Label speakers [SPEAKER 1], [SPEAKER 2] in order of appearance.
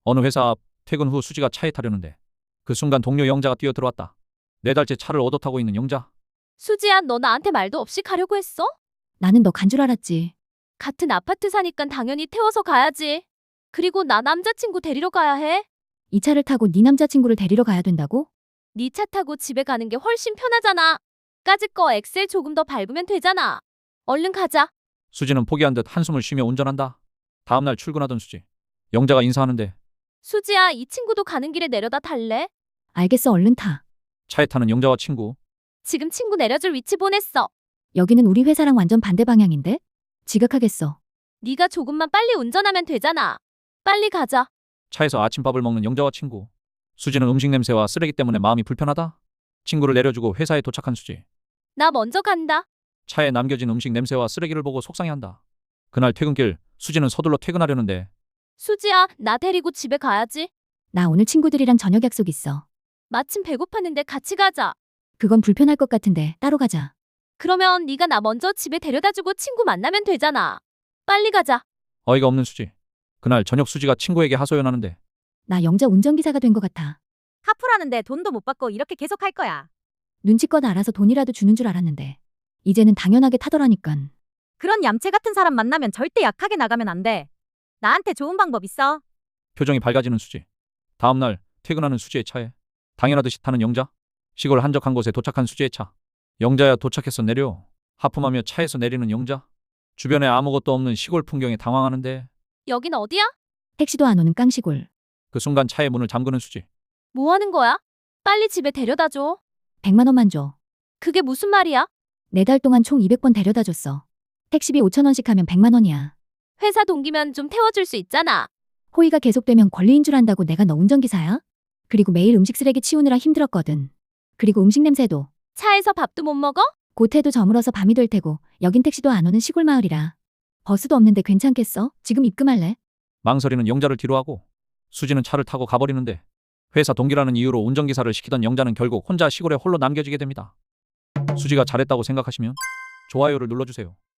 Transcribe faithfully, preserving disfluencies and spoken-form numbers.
[SPEAKER 1] 어느 회사 앞 퇴근 후 수지가 차에 타려는데 그 순간 동료 영자가 뛰어들어왔다. 네 달째 차를 얻어 타고 있는 영자.
[SPEAKER 2] 수지야, 너 나한테 말도 없이 가려고 했어?
[SPEAKER 3] 나는 너 간 줄 알았지.
[SPEAKER 2] 같은 아파트 사니깐 당연히 태워서 가야지. 그리고 나 남자친구 데리러 가야 해.
[SPEAKER 3] 이 차를 타고 네 남자친구를 데리러 가야 된다고?
[SPEAKER 2] 네 차 타고 집에 가는 게 훨씬 편하잖아. 까짓 거 엑셀 조금 더 밟으면 되잖아. 얼른 가자.
[SPEAKER 1] 수지는 포기한 듯 한숨을 쉬며 운전한다. 다음날 출근하던 수지. 영자가 인사하는데
[SPEAKER 2] 수지야, 이 친구도 가는 길에 내려다 탈래?
[SPEAKER 3] 알겠어, 얼른 타.
[SPEAKER 1] 차에 타는 영자와 친구.
[SPEAKER 2] 지금 친구 내려줄 위치 보냈어.
[SPEAKER 3] 여기는 우리 회사랑 완전 반대 방향인데? 지각하겠어.
[SPEAKER 2] 네가 조금만 빨리 운전하면 되잖아. 빨리 가자.
[SPEAKER 1] 차에서 아침밥을 먹는 영자와 친구. 수지는 음식 냄새와 쓰레기 때문에 마음이 불편하다. 친구를 내려주고 회사에 도착한 수지.
[SPEAKER 2] 나 먼저 간다.
[SPEAKER 1] 차에 남겨진 음식 냄새와 쓰레기를 보고 속상해한다. 그날 퇴근길 수지는 서둘러 퇴근하려는데
[SPEAKER 2] 수지야, 나 데리고 집에 가야지.
[SPEAKER 3] 나 오늘 친구들이랑 저녁 약속 있어.
[SPEAKER 2] 마침 배고팠는데 같이 가자.
[SPEAKER 3] 그건 불편할 것 같은데 따로 가자.
[SPEAKER 2] 그러면 네가 나 먼저 집에 데려다주고 친구 만나면 되잖아. 빨리 가자.
[SPEAKER 1] 어이가 없는 수지. 그날 저녁 수지가 친구에게 하소연하는데
[SPEAKER 3] 나 영자 운전기사가 된 것 같아.
[SPEAKER 4] 하프라는데 돈도 못 받고 이렇게 계속 할 거야.
[SPEAKER 3] 눈치껏 알아서 돈이라도 주는 줄 알았는데 이제는 당연하게 타더라니깐.
[SPEAKER 4] 그런 얌체 같은 사람 만나면 절대 약하게 나가면 안 돼. 나한테 좋은 방법 있어.
[SPEAKER 1] 표정이 밝아지는 수지. 다음날 퇴근하는 수지의 차에 당연하듯이 타는 영자. 시골 한적한 곳에 도착한 수지의 차. 영자야, 도착했어, 내려. 하품하며 차에서 내리는 영자. 주변에 아무것도 없는 시골 풍경에 당황하는데
[SPEAKER 2] 여긴 어디야?
[SPEAKER 3] 택시도 안 오는 깡시골.
[SPEAKER 1] 그 순간 차의 문을 잠그는 수지.
[SPEAKER 2] 뭐 하는 거야? 빨리 집에 데려다줘.
[SPEAKER 3] 백만 원만 줘.
[SPEAKER 2] 그게 무슨 말이야?
[SPEAKER 3] 네 달 동안 총 이백 번 데려다 줬어. 택시비 오천 원씩 하면 백만 원이야.
[SPEAKER 2] 회사 동기면 좀 태워줄 수 있잖아.
[SPEAKER 3] 호의가 계속되면 권리인 줄 안다고 내가 너 운전기사야? 그리고 매일 음식 쓰레기 치우느라 힘들었거든. 그리고 음식 냄새도.
[SPEAKER 2] 차에서 밥도 못 먹어?
[SPEAKER 3] 고태도 저물어서 밤이 될 테고 여긴 택시도 안 오는 시골 마을이라. 버스도 없는데 괜찮겠어? 지금 입금할래?
[SPEAKER 1] 망설이는 영자를 뒤로하고 수지는 차를 타고 가버리는데 회사 동기라는 이유로 운전기사를 시키던 영자는 결국 혼자 시골에 홀로 남겨지게 됩니다. 수지가 잘했다고 생각하시면 좋아요를 눌러주세요.